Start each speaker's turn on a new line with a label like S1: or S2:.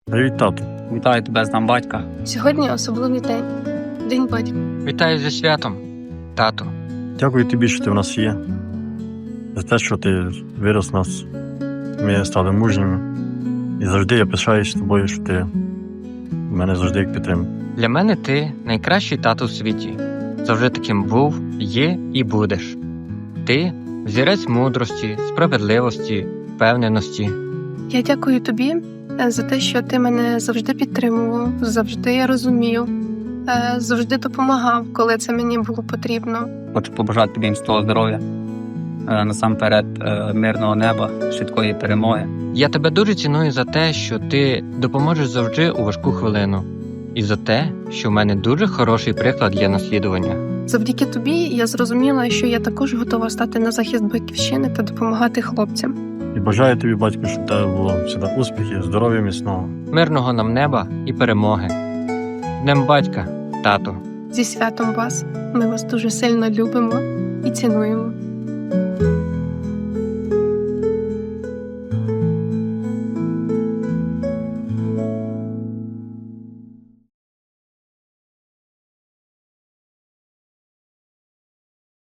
S1: Привіт, тату.
S2: Вітаю тебе з Днем батька.
S3: Сьогодні особливий день. День батька.
S4: Вітаю зі святом, тату.
S1: Дякую тобі, що ти в нас є. За те, що ти вирос нас. Ми стали мужніми. І завжди я пишаюсь тобою, що ти мене завжди як підтримуєш.
S4: Для мене ти найкращий тато в світі. Завжди таким був, є і будеш. Ти взірець мудрості, справедливості, впевненості.
S3: Я дякую тобі за те, що ти мене завжди підтримував, завжди розумів, завжди допомагав, коли це мені було потрібно.
S2: Хочу побажати тобі міцного здоров'я, насамперед мирного неба, швидкої перемоги.
S4: Я тебе дуже ціную за те, що ти допоможеш завжди у важку хвилину. І за те, що в мене дуже хороший приклад для наслідування.
S3: Завдяки тобі я зрозуміла, що я також готова стати на захист батьківщини та допомагати хлопцям.
S1: І бажаю тобі, батько, щоб в тебе було завжди успіхів, здоров'я міцного.
S4: Мирного нам неба і перемоги. З Днем батька, тату.
S3: Зі святом вас! Ми вас дуже сильно любимо і цінуємо.